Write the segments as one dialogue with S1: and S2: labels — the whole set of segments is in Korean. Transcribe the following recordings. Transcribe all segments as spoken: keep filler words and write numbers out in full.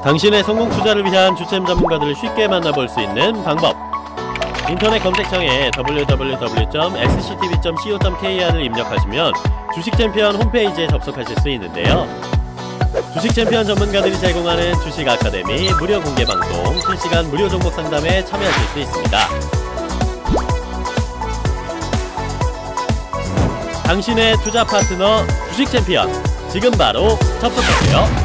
S1: 당신의 성공 투자를 위한 주템 전문가들을 쉽게 만나볼 수 있는 방법. 인터넷 검색창에 더블유 더블유 더블유 점 엑스씨티비 점 씨오 점 케이알을 입력하시면 주식챔피언 홈페이지에 접속하실 수 있는데요. 주식챔피언 전문가들이 제공하는 주식 아카데미 무료 공개 방송, 실시간 무료 종목 상담에 참여하실 수 있습니다. 당신의 투자 파트너 주식챔피언, 지금 바로 접속하세요.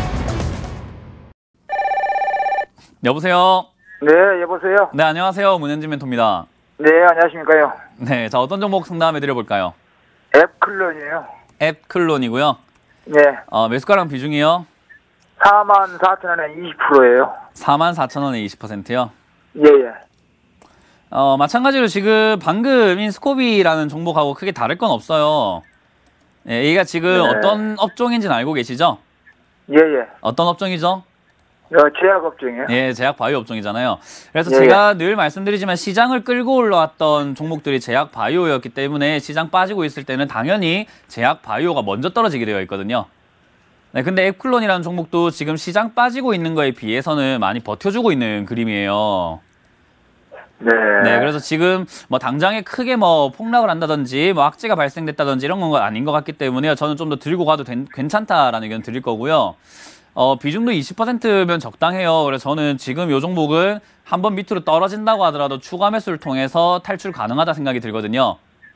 S2: 여보세요.
S3: 네, 여보세요.
S2: 네, 안녕하세요. 문현진 멘토입니다.
S3: 네, 안녕하십니까요.
S2: 네, 자 어떤 종목 상담해 드려볼까요?
S3: 앱클론이에요.
S2: 앱클론이고요.
S3: 네.
S2: 어, 매수가랑 비중이요?
S3: 사만 사천 원에 이십 퍼센트예요.
S2: 사만 사천 원에 이십 퍼센트요?
S3: 예, 예.
S2: 어, 마찬가지로 지금 방금 인스코비라는 종목하고 크게 다를 건 없어요. 예, 얘가 지금
S3: 네.
S2: 어떤 업종인지는 알고 계시죠?
S3: 예, 예.
S2: 어떤 업종이죠?
S3: 어, 제약업종이에요.
S2: 예, 제약 바이오 업종이잖아요. 그래서
S3: 예,
S2: 제가 늘 말씀드리지만 시장을 끌고 올라왔던 종목들이 제약 바이오였기 때문에 시장 빠지고 있을 때는 당연히 제약 바이오가 먼저 떨어지게 되어 있거든요. 네, 근데 앱클론이라는 종목도 지금 시장 빠지고 있는 거에 비해서는 많이 버텨주고 있는 그림이에요.
S3: 네.
S2: 네, 그래서 지금 뭐 당장에 크게 뭐 폭락을 한다든지 뭐 악재가 발생됐다든지 이런 건 아닌 것 같기 때문에 저는 좀 더 들고 가도 된, 괜찮다라는 의견 드릴 거고요. 어, 비중도 이십 퍼센트면 적당해요. 그래서 저는 지금 이 종목은 한번 밑으로 떨어진다고 하더라도 추가 매수를 통해서 탈출 가능하다 생각이 들거든요.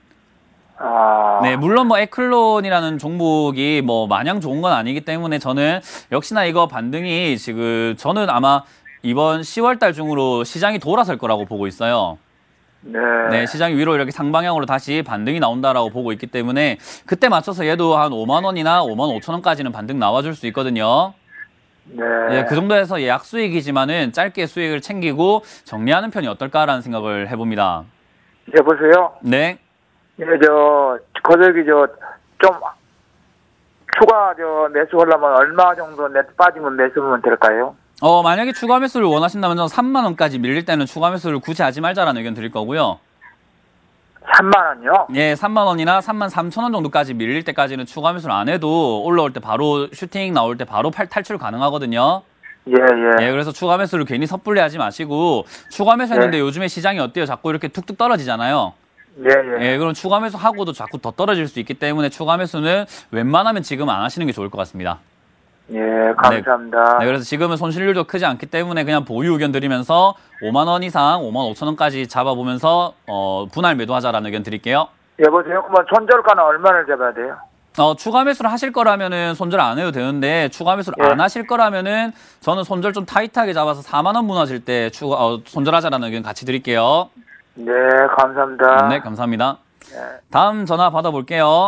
S3: 아.
S2: 네, 물론 뭐 에클론이라는 종목이 뭐 마냥 좋은 건 아니기 때문에 저는 역시나 이거 반등이 지금 저는 아마 이번 시월 달 중으로 시장이 돌아설 거라고 보고 있어요.
S3: 네.
S2: 네, 시장이 위로 이렇게 상방향으로 다시 반등이 나온다라고 보고 있기 때문에 그때 맞춰서 얘도 한 오만 원이나 오만 오천 원까지는 반등 나와줄 수 있거든요.
S3: 네.
S2: 예, 그 정도에서 예약 수익이지만은 짧게 수익을 챙기고 정리하는 편이 어떨까라는 생각을 해봅니다.
S3: 여보세요.
S2: 네.
S3: 예, 저, 거저기 저, 좀, 추가 저, 매수하려면 얼마 정도 내 빠지면 매수하면 될까요?
S2: 어, 만약에 추가 매수를 원하신다면 저는 삼만 원까지 밀릴 때는 추가 매수를 굳이 하지 말자라는 의견 드릴 거고요.
S3: 삼만 원요?
S2: 예, 삼만 원이나 삼만 삼천 원 정도까지 밀릴 때까지는 추가 매수를 안 해도 올라올 때 바로 슈팅 나올 때 바로 팔, 탈출 가능하거든요.
S3: 예, 예.
S2: 예, 그래서 추가 매수를 괜히 섣불리 하지 마시고 추가 매수 했는데
S3: 네.
S2: 요즘에 시장이 어때요? 자꾸 이렇게 툭툭 떨어지잖아요.
S3: 예, 예.
S2: 예, 그럼 추가 매수 하고도 자꾸 더 떨어질 수 있기 때문에 추가 매수는 웬만하면 지금 안 하시는 게 좋을 것 같습니다.
S3: 예, 감사합니다.
S2: 네, 그래서 지금은 손실률도 크지 않기 때문에 그냥 보유 의견 드리면서 오만 원 이상, 오만 오천 원까지 잡아보면서 어, 분할 매도하자라는 의견 드릴게요.
S3: 여보세요. 그러면 손절가는 얼마를 잡아야 돼요?
S2: 어, 추가 매수를 하실 거라면은 손절 안 해도 되는데 추가 매수를
S3: 예.
S2: 안 하실 거라면은 저는 손절 좀 타이트하게 잡아서 사만 원 무너질 때 추가 어, 손절하자라는 의견 같이 드릴게요.
S3: 네, 감사합니다.
S2: 네, 감사합니다.
S3: 네.
S2: 다음 전화 받아볼게요.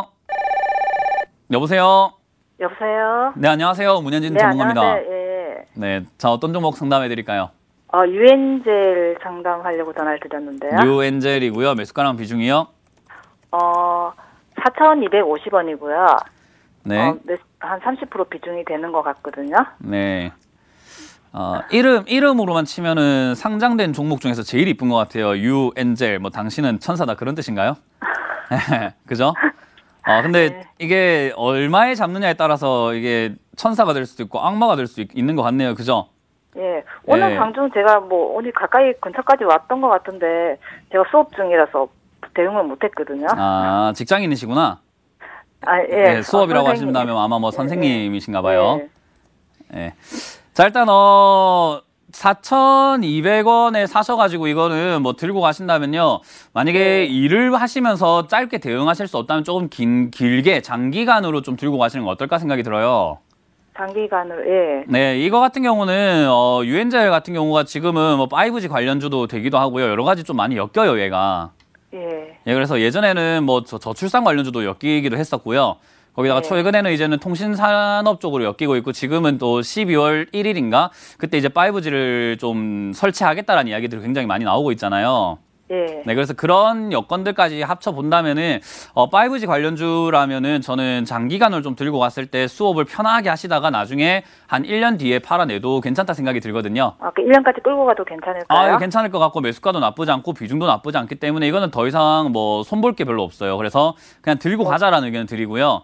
S2: 여보세요.
S4: 여보세요?
S2: 네, 안녕하세요. 문현진
S4: 네,
S2: 전문가입니다.
S4: 안녕하세요. 예.
S2: 네, 자 어떤 종목 상담해 드릴까요?
S4: 어, 유엔젤 상담하려고 전화를 드렸는데요.
S2: 유엔젤이고요. 매수가랑 비중이요?
S4: 어, 사천이백오십 원이고요.
S2: 네.
S4: 어, 몇- 한 삼십 퍼센트 비중이 되는 것 같거든요.
S2: 네. 어, 이름, 이름으로만 치면은 상장된 종목 중에서 제일 이쁜 것 같아요. 유엔젤, 뭐, 당신은 천사다. 그런 뜻인가요? 그죠? 어, 근데
S4: 네.
S2: 이게 얼마에 잡느냐에 따라서 이게 천사가 될 수도 있고 악마가 될 수 있는 것 같네요. 그죠?
S4: 예. 오늘
S2: 예.
S4: 방중 제가 뭐, 오늘 가까이 근처까지 왔던 것 같은데, 제가 수업 중이라서 대응을 못 했거든요.
S2: 아, 직장인이시구나.
S4: 아, 예.
S2: 네, 수업이라고
S4: 어,
S2: 하신다면 아마 뭐
S4: 예,
S2: 선생님이신가
S4: 예.
S2: 봐요.
S4: 예.
S2: 예. 자, 일단, 어, 사천이백 원에 사셔가지고 이거는 뭐 들고 가신다면요. 만약에
S4: 네.
S2: 일을 하시면서 짧게 대응하실 수 없다면 조금 긴, 길게 장기간으로 좀 들고 가시는 거 어떨까 생각이 들어요.
S4: 장기간으로, 예.
S2: 네, 이거 같은 경우는, 어, 유엔젤 같은 경우가 지금은 뭐 파이브지 관련주도 되기도 하고요. 여러 가지 좀 많이 엮여요, 얘가.
S4: 예.
S2: 예, 그래서 예전에는 뭐 저, 저출산 관련주도 엮이기도 했었고요. 거기다가
S4: 네.
S2: 최근에는 이제는 통신산업 쪽으로 엮이고 있고 지금은 또 십이월 일일인가 그때 이제 파이브지를 좀 설치하겠다라는 이야기들이 굉장히 많이 나오고 있잖아요.
S4: 예.
S2: 네, 그래서 그런 여건들까지 합쳐 본다면은 어, 파이브지 관련주라면은 저는 장기간을 좀 들고 갔을 때 수업을 편하게 하시다가 나중에 한 일 년 뒤에 팔아내도 괜찮다 생각이 들거든요.
S4: 아, 그 일 년까지 끌고 가도 괜찮을까요?
S2: 아, 이거 괜찮을 것 같고 매수가도 나쁘지 않고 비중도 나쁘지 않기 때문에 이거는 더 이상 뭐 손볼 게 별로 없어요. 그래서 그냥 들고 가자라는 의견을 드리고요.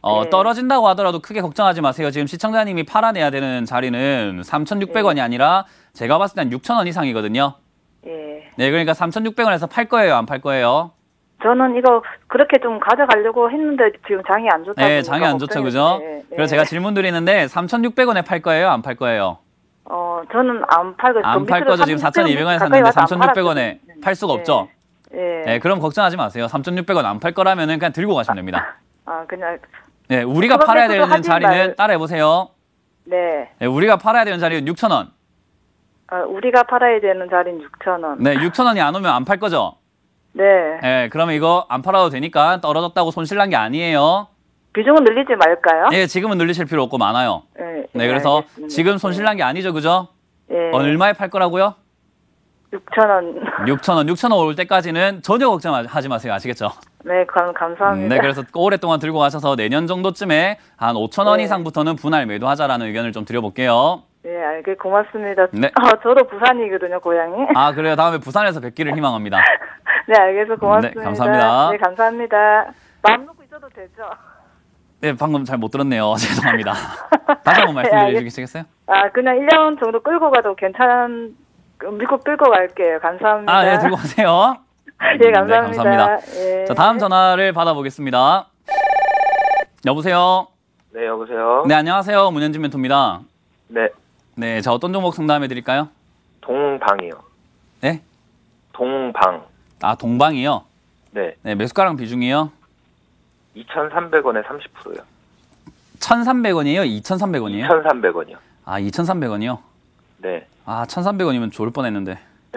S2: 어,
S4: 네.
S2: 떨어진다고 하더라도 크게 걱정하지 마세요. 지금 시청자님이 팔아내야 되는 자리는 삼천육백 원이 아니라 제가 봤을 땐 육천 원 이상이거든요.
S4: 예.
S2: 네, 그러니까 삼천육백 원에서 팔 거예요, 안 팔 거예요?
S4: 저는 이거 그렇게 좀 가져가려고 했는데 지금 장이 안 좋다.
S2: 네, 장이 안 좋죠, 그죠?
S4: 네,
S2: 그래서 제가 질문 드리는데 삼천육백 원에 팔 거예요, 안 팔 거예요?
S4: 어, 저는 안 팔고
S2: 안 팔 거죠. 지금 사천이백 원에 샀는데 삼천육백 원에 팔 수가 없죠?
S4: 예.
S2: 네, 그럼 걱정하지 마세요. 삼천육백 원 안 팔 거라면은 그냥 들고 가시면 됩니다.
S4: 아, 그냥
S2: 네, 우리가
S4: 그럼
S2: 팔아야
S4: 그래도
S2: 되는
S4: 하지
S2: 자리는
S4: 말-
S2: 따라해 보세요.
S4: 네.
S2: 네, 우리가 팔아야 되는 자리는 육천 원.
S4: 어, 우리가 팔아야 되는 자리는 육천 원.
S2: 네, 육천 원이 안 오면 안 팔 거죠?
S4: 네.
S2: 네, 그러면 이거 안 팔아도 되니까 떨어졌다고 손실 난 게 아니에요.
S4: 비중은 늘리지 말까요?
S2: 네, 지금은 늘리실 필요 없고 많아요.
S4: 네.
S2: 네, 그래서
S4: 알겠습니다.
S2: 지금 손실 난 게 아니죠, 그죠?
S4: 예.
S2: 얼마에 팔 거라고요?
S4: 육천 원.
S2: 육천 원, 육천 원 올 때까지는 전혀 걱정하지 마세요. 아시겠죠?
S4: 네, 감, 감사합니다.
S2: 네, 그래서 오랫동안 들고 가셔서 내년 정도쯤에 한 오천 원
S4: 네.
S2: 이상부터는 분할 매도하자라는 의견을 좀 드려볼게요.
S4: 네, 알게 고맙습니다.
S2: 네.
S4: 아, 저도 부산이거든요, 고향이.
S2: 아, 그래요? 다음에 부산에서 뵙기를 희망합니다.
S4: 네, 알겠어. 고맙습니다.
S2: 네, 감사합니다.
S4: 네, 감사합니다. 마음 놓고 있어도 되죠?
S2: 네, 방금 잘 못 들었네요. 죄송합니다. 다시 한번 말씀해
S4: 알겠-
S2: 주시겠어요?
S4: 아, 그냥 일 년 정도 끌고 가도 괜찮, 믿고 끌고 갈게요. 감사합니다.
S2: 아, 네, 들고 가세요.
S4: 예, 감사합니다.
S2: 네, 감사합니다.
S4: 예.
S2: 자, 다음 전화를 받아보겠습니다. 여보세요?
S3: 네, 여보세요?
S2: 네, 안녕하세요. 문현진 멘토입니다.
S3: 네,
S2: 네, 자, 어떤 종목 상담해 드릴까요?
S3: 동방이요.
S2: 네?
S3: 동방.
S2: 아, 동방이요?
S3: 네,
S2: 네, 매수가랑 비중이요?
S3: 이천삼백 원에 삼십 퍼센트요.
S2: 천삼백 원이에요? 이천삼백 원이에요?
S3: 이천삼백 원이요.
S2: 아, 이천삼백 원이요?
S3: 네.
S2: 아, 천삼백 원이면 좋을 뻔했는데.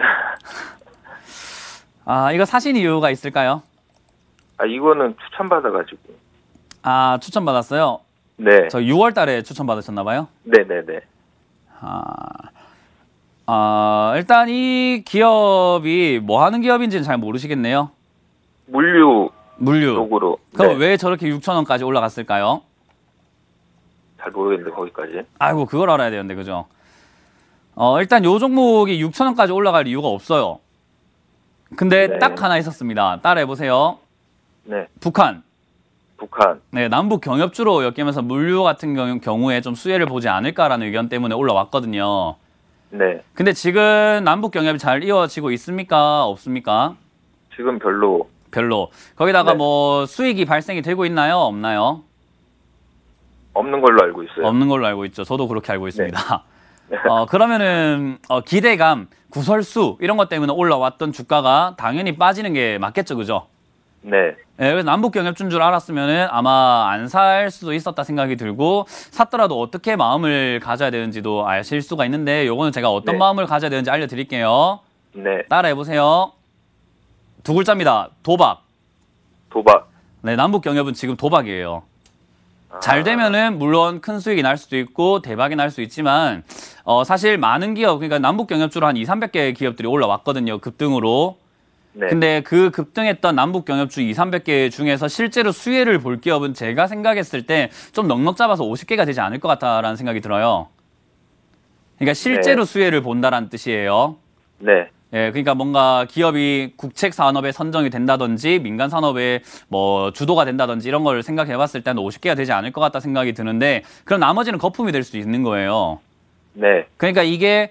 S2: 아, 이거 사신 이유가 있을까요?
S3: 아, 이거는 추천받아가지고.
S2: 아, 추천받았어요?
S3: 네.
S2: 저 유월 달에 추천받으셨나봐요?
S3: 네네네.
S2: 아, 아, 일단 이 기업이 뭐 하는 기업인지는 잘 모르시겠네요.
S3: 물류
S2: 물류.
S3: 쪽으로.
S2: 그럼
S3: 네.
S2: 왜 저렇게 육천 원까지 올라갔을까요?
S3: 잘 모르겠는데, 거기까지.
S2: 아이고, 그걸 알아야 되는데, 그죠? 어, 일단 요 종목이 육천 원까지 올라갈 이유가 없어요. 근데
S3: 네.
S2: 딱 하나 있었습니다. 따라해보세요.
S3: 네.
S2: 북한.
S3: 북한.
S2: 네, 남북 경협주로 엮이면서 물류 같은 경우, 경우에 좀 수혜를 보지 않을까라는 의견 때문에 올라왔거든요.
S3: 네.
S2: 근데 지금 남북 경협이 잘 이어지고 있습니까? 없습니까?
S3: 지금 별로.
S2: 별로. 거기다가
S3: 네.
S2: 뭐 수익이 발생이 되고 있나요? 없나요?
S3: 없는 걸로 알고 있어요.
S2: 없는 걸로 알고 있죠. 저도 그렇게 알고 있습니다.
S3: 네.
S2: 어, 그러면은 어, 기대감, 구설수 이런 것 때문에 올라왔던 주가가 당연히 빠지는 게 맞겠죠, 그죠?
S3: 네.
S2: 네, 그래서 남북 경협주인 줄 알았으면은 아마 안 살 수도 있었다 생각이 들고 샀더라도 어떻게 마음을 가져야 되는지도 아실 수가 있는데 요거는 제가 어떤
S3: 네.
S2: 마음을 가져야 되는지 알려드릴게요.
S3: 네.
S2: 따라해 보세요. 두 글자입니다. 도박.
S3: 도박.
S2: 네, 남북 경협은 지금 도박이에요.
S3: 아,
S2: 잘 되면은 물론 큰 수익이 날 수도 있고 대박이 날 수 있지만 어, 사실 많은 기업 그러니까 남북 경협주로 한 이삼백 개 기업들이 올라왔거든요. 급등으로.
S3: 네.
S2: 근데 그 급등했던 남북 경협주 이삼백 개 중에서 실제로 수혜를 볼 기업은 제가 생각했을 때 좀 넉넉 잡아서 오십 개가 되지 않을 것 같다라는 생각이 들어요. 그러니까 실제로
S3: 네.
S2: 수혜를 본다라는 뜻이에요.
S3: 네.
S2: 예, 그러니까 뭔가 기업이 국책 산업에 선정이 된다든지 민간 산업에 뭐 주도가 된다든지 이런 걸 생각해 봤을 때는 오십 개가 되지 않을 것 같다 생각이 드는데 그럼 나머지는 거품이 될 수 있는 거예요.
S3: 네.
S2: 그러니까 이게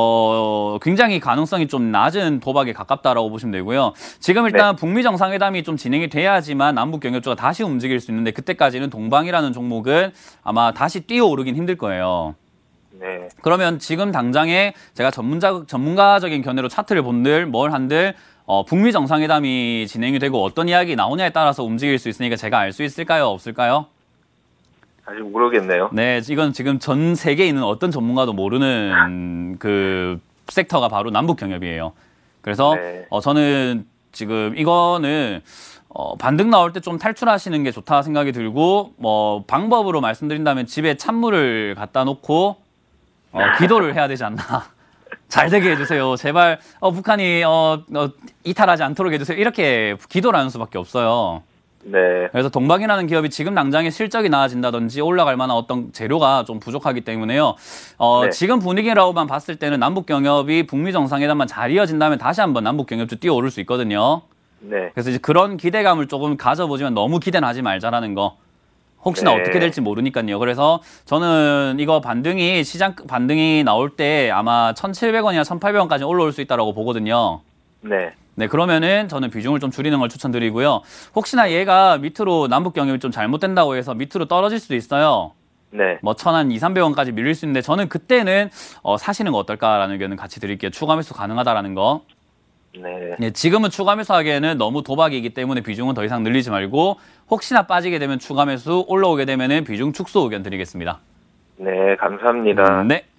S2: 어, 굉장히 가능성이 좀 낮은 도박에 가깝다라고 보시면 되고요. 지금 일단
S3: 네.
S2: 북미 정상회담이 좀 진행이 돼야지만 남북 경협주가 다시 움직일 수 있는데 그때까지는 동방이라는 종목은 아마 다시 뛰어오르긴 힘들 거예요.
S3: 네.
S2: 그러면 지금 당장에 제가 전문자, 전문가적인 견해로 차트를 본들 뭘 한들 어, 북미 정상회담이 진행이 되고 어떤 이야기 나오냐에 따라서 움직일 수 있으니까 제가 알 수 있을까요? 없을까요?
S3: 아직 모르겠네요.
S2: 네, 이건 지금 전 세계에 있는 어떤 전문가도 모르는 그 섹터가 바로 남북 경협이에요. 그래서
S3: 네.
S2: 어, 저는 지금 이거는 어, 반등 나올 때 좀 탈출하시는 게 좋다 생각이 들고 뭐 방법으로 말씀드린다면 집에 찬물을 갖다 놓고 어, 기도를 해야 되지 않나. 잘 되게 해주세요. 제발 어, 북한이 어, 어, 이탈하지 않도록 해주세요. 이렇게 기도를 하는 수밖에 없어요.
S3: 네.
S2: 그래서 동방이라는 기업이 지금 당장에 실적이 나아진다든지 올라갈 만한 어떤 재료가 좀 부족하기 때문에요. 어,
S3: 네.
S2: 지금 분위기라고만 봤을 때는 남북 경협이 북미 정상회담만 잘 이어진다면 다시 한번 남북 경협주 뛰어오를 수 있거든요.
S3: 네.
S2: 그래서 이제 그런 기대감을 조금 가져보지만 너무 기대는 하지 말자라는 거. 혹시나
S3: 네.
S2: 어떻게 될지 모르니까요. 그래서 저는 이거 반등이 시장 반등이 나올 때 아마 천칠백 원이나 천팔백 원까지 올라올 수 있다고 보거든요.
S3: 네.
S2: 네, 그러면은 저는 비중을 좀 줄이는 걸 추천드리고요. 혹시나 얘가 밑으로 남북 경협이 좀 잘못된다고 해서 밑으로 떨어질 수도 있어요.
S3: 네.
S2: 뭐 천 한 이삼백 원까지 밀릴 수 있는데 저는 그때는 어, 사시는 거 어떨까라는 의견은 같이 드릴게요. 추가 매수 가능하다라는 거.
S3: 네.
S2: 네, 지금은 추가 매수하기에는 너무 도박이기 때문에 비중은 더 이상 늘리지 말고 혹시나 빠지게 되면 추가 매수, 올라오게 되면은 비중 축소 의견 드리겠습니다.
S3: 네, 감사합니다.
S2: 네.